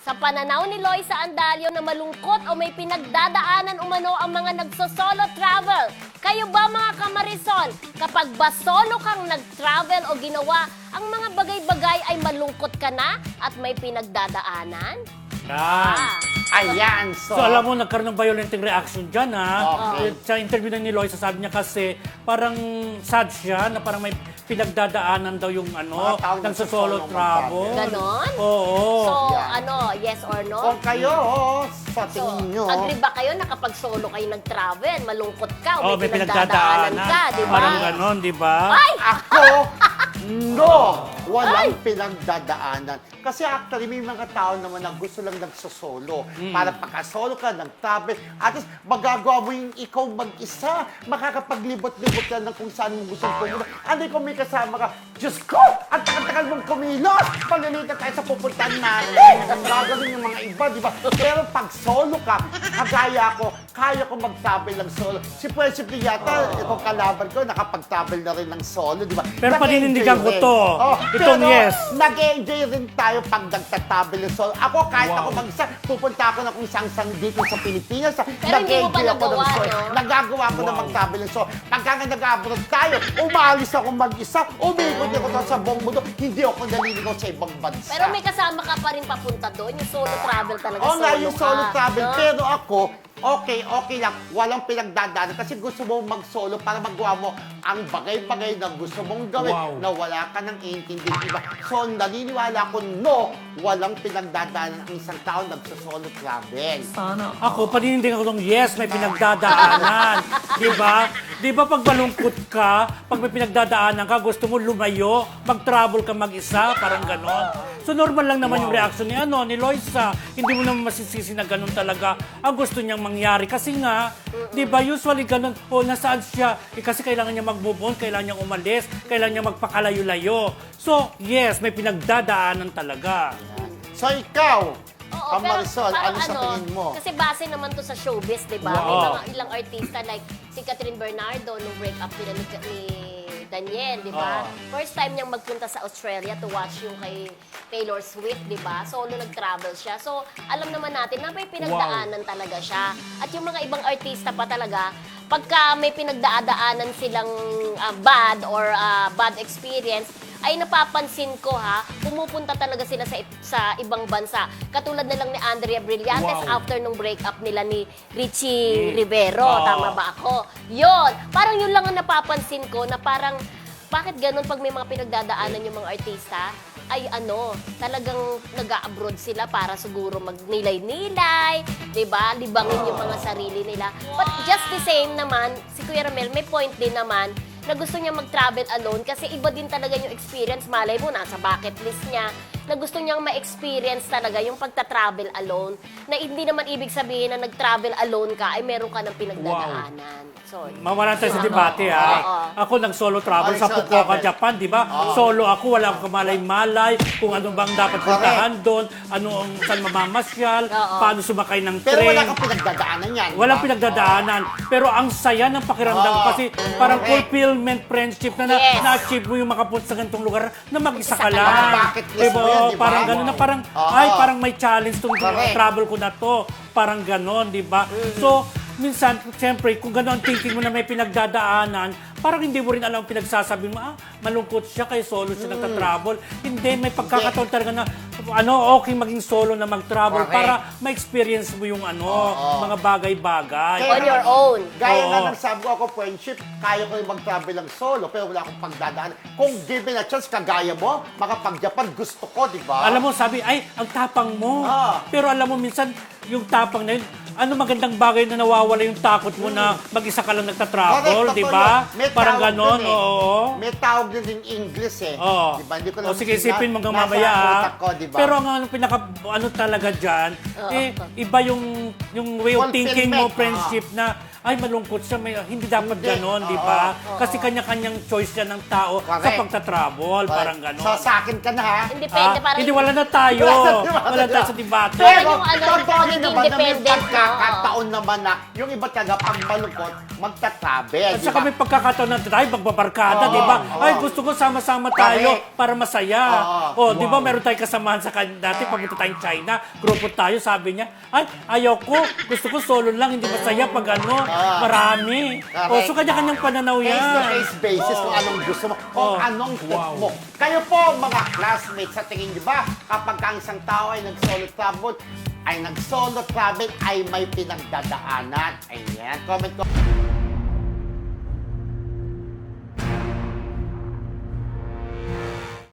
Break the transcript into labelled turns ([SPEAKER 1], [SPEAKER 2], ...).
[SPEAKER 1] Sa pananaw ni Loisa Andalio na malungkot o may pinagdadaanan umano ang mga nagso-solo travel. Kayo ba mga kamarisol, kapag ba solo kang nag-travel o ginawa ang mga bagay-bagay ay malungkot ka na at may pinagdadaanan?
[SPEAKER 2] Yan.
[SPEAKER 3] Ayan,
[SPEAKER 2] So alam mo, nagkaroon ng violenting reaction dyan, ha?
[SPEAKER 3] Okay.
[SPEAKER 2] Sa interview na ni Loisa, sabi niya kasi parang sad siya na parang may pinagdadaanan daw yung
[SPEAKER 3] Mga taong
[SPEAKER 2] ng solo
[SPEAKER 3] nagsasolo
[SPEAKER 2] travel.
[SPEAKER 1] Ganon?
[SPEAKER 2] Oo.
[SPEAKER 1] So,
[SPEAKER 3] Yan.
[SPEAKER 1] yes or no?
[SPEAKER 3] Kung kayo, sa
[SPEAKER 1] So,
[SPEAKER 3] tingin nyo,
[SPEAKER 1] agree ba kayo na kapag solo kayo nag-travel, malungkot ka o
[SPEAKER 2] Oh,
[SPEAKER 1] may pinagdadaanan ka, di ba?
[SPEAKER 2] Parang ganon, di ba?
[SPEAKER 1] Ay!
[SPEAKER 3] ako, no! Walang pinagdadaanan. Kasi actually, may mga tao naman na gusto lang nagsosolo. Para pagka-solo ka, nag-travel, at least magagawa mo yung ikaw mag-isa. Makakapaglibot-libot ka ng kung saan mo gusto pumunta. Ano kung may kasama ka, Diyos ko! Ang tagal-tagal mong kumilos! Palilita tayo sa pupuntahan natin. Gagawin yung mga iba, di ba? Pero pag solo ka, kagaya ko, kaya ko mag-travel ng solo. Si Pwesip yata, itong kalaban ko, nakapag-travel na rin ng solo, di ba?
[SPEAKER 2] Pero paninindigan ko
[SPEAKER 3] Nag-enjoy
[SPEAKER 2] to.
[SPEAKER 3] rin.
[SPEAKER 2] Itong
[SPEAKER 3] Pero
[SPEAKER 2] yes.
[SPEAKER 3] nag-enjoy rin tayo pag nagtatravel ng solo. Ako, kahit ako mag-isa, pupunta ako na kung saan dito sa Pilipinas.
[SPEAKER 1] Pero hindi mo pa
[SPEAKER 3] Nag-enjoy ako ng
[SPEAKER 1] nagawa,
[SPEAKER 3] solo.
[SPEAKER 1] no?
[SPEAKER 3] Nagagawa ko na mag-travel ng solo. Pagka nga nag-abroad tayo, umalis ako mag-isa, umikot ako sa buong mundo, hindi ako naliligaw sa ibang bansa.
[SPEAKER 1] Pero may kasama ka pa rin papunta doon, yung solo travel talaga,
[SPEAKER 3] Oo nga, yung solo
[SPEAKER 1] ka,
[SPEAKER 3] travel.
[SPEAKER 1] no?
[SPEAKER 3] Pero ako, okay lang. Walang pinagdadaanan. Kasi gusto mo mag-solo para magawa mo ang bagay-bagay na gusto mong gawin na wala ka nang iintindi. Diba? So, naniniwala ko, no, walang pinagdadaanan ang isang tao nagsa-solo travel.
[SPEAKER 2] Ako, paninindigan ko nung yes, may pinagdadaanan. Di ba? Di ba pag malungkot ka, pag may pinagdadaanan ka, gusto mo lumayo, mag-travel ka mag-isa, parang ganon. So normal lang naman yung reaction ni Loisa. Hindi mo naman masisisi na ganon talaga ang gusto niyang mangyari. Kasi nga, di ba, usually ganon, nasaan siya? Kasi kailangan niya mag-move on, kailangan niya umalis, kailangan niya magpakalayo-layo. So, yes, may pinagdadaanan talaga.
[SPEAKER 3] So, ikaw,
[SPEAKER 1] Oo,
[SPEAKER 3] Marisol,
[SPEAKER 1] parang
[SPEAKER 3] ano sa tingin mo?
[SPEAKER 1] Kasi base naman to sa showbiz, di ba? May
[SPEAKER 2] Wow.
[SPEAKER 1] mga ilang artista like si Catherine Bernardo nung break-up nila ni Daniel, di ba? First time niyang magpunta sa Australia to watch yung kay Taylor Swift, di ba? Solo nag-travel siya. So, alam naman natin na may pinagdaanan talaga siya. At yung mga ibang artista pa talaga, pagka may pinagdadaanan silang bad or bad experience, ay napapansin ko pumupunta talaga sila sa ibang bansa. Katulad na lang ni Andrea Brillantes after nung breakup nila ni Richie Rivero. Tama ba ako? Yun. Parang yun lang ang napapansin ko na parang bakit ganun pag may mga pinagdadaanan yung mga artista? Ay talagang nag-a-abroad sila para siguro magnilay-nilay, 'di ba? Libangin yung mga sarili nila. But just the same naman, si Kuya Ramel may point din naman na gusto niya mag-travel alone kasi iba din talaga yung experience. Malay mo, nasa bucket list niya na gusto niyang ma-experience talaga yung pagta-travel alone na hindi naman ibig sabihin na nag-travel alone ka ay meron ka ng pinagdadaanan. So,
[SPEAKER 2] Mawalan tayo sa debate, Ako nag-solo travel sa Fukuoka, Japan, di ba? Solo ako, wala akong kamalay-malay, kung ano bang dapat puntahan doon, saan mamamasyal, paano sumakay ng
[SPEAKER 3] Pero
[SPEAKER 2] train.
[SPEAKER 3] wala kang pinagdadaanan yan.
[SPEAKER 2] Walang pinagdadaanan. Pero ang saya ng pakiramdam ko kasi parang fulfillment friendship na na-achieve mo yung makapunta sa ganitong lugar na mag-isa ka lang.
[SPEAKER 3] Bucket list
[SPEAKER 2] Diba?
[SPEAKER 3] mo yan, di ba?
[SPEAKER 2] Parang gano'n na parang, parang may challenge tong travel ko na to. Parang gano'n, di ba? So, minsan, siyempre, kung gano'n ang thinking mo na may pinagdadaanan, parang hindi mo rin alam ang pinagsasabi mo, malungkot siya kay solo siya nagta-travel. Hindi, may pagkakataon talaga na, okay maging solo na mag-travel para ma-experience mo yung mga bagay-bagay.
[SPEAKER 1] on your own.
[SPEAKER 3] Gaya nga ng sabi ko ako, friendship, kaya ko yung mag-travel ng solo, pero wala akong pagdadaanan. Kung given a chance, kagaya mo, makapag-Japan, gusto ko, di ba?
[SPEAKER 2] Alam mo, sabi, ang tapang mo. Pero alam mo, minsan, yung tapang na yun, magandang bagay na nawawala yung takot mo na mag-isa ka lang nagta-travel, di ba?
[SPEAKER 3] tawag
[SPEAKER 2] Parang ganon,
[SPEAKER 3] dun May tawag din in English Di ba? Hindi ko lang
[SPEAKER 2] sige, isipin mo hanggang
[SPEAKER 3] nasa
[SPEAKER 2] mamaya.
[SPEAKER 3] utak ko, di ba?
[SPEAKER 2] Pero ang talaga dyan, iba yung way of thinking mo,
[SPEAKER 3] Fulfillment.
[SPEAKER 2] friendship na, ay malungkot siya, hindi dapat
[SPEAKER 3] Hindi.
[SPEAKER 2] ganon, di
[SPEAKER 3] Oo,
[SPEAKER 2] ba? Kasi kanya-kanyang choice yan ng tao sa
[SPEAKER 3] Correct.
[SPEAKER 2] pagta-travel, parang ganon.
[SPEAKER 3] So, sa akin ka na, ha?
[SPEAKER 1] Hindi pwede, parang...
[SPEAKER 2] Hindi, wala na tayo. Wala na tayo sa debate.
[SPEAKER 1] Pero
[SPEAKER 3] Pero,
[SPEAKER 1] yung ano,
[SPEAKER 3] totoo rin naman na may
[SPEAKER 1] independent,
[SPEAKER 3] pagkakataon naman na yung iba talaga pag malungkot, magta-travel.
[SPEAKER 2] At
[SPEAKER 3] di
[SPEAKER 2] saka
[SPEAKER 3] ba?
[SPEAKER 2] may pagkakataon na tayo, magbabarkada,
[SPEAKER 3] Oo,
[SPEAKER 2] di ba?
[SPEAKER 3] oo.
[SPEAKER 2] Ay, gusto ko sama-sama tayo
[SPEAKER 3] Correct.
[SPEAKER 2] para masaya.
[SPEAKER 3] Oo.
[SPEAKER 2] Di ba, meron tayong kasamahan sa dati, papunta tayong China, grupo tayo, sabi niya, ay, ayaw ko, gusto ko solo lang, hindi masaya pag ano, marami.
[SPEAKER 3] Correct.
[SPEAKER 2] So kanya-kanyang pananaw yan.
[SPEAKER 3] Case-to-case basis kung anong gusto mo, kung anong trip mo. Kayo po, mga classmates, sa tingin niyo ba, kapag ang isang tao ay nag-solo travel, ay may pinagdadaanan? Ayan, comment ko.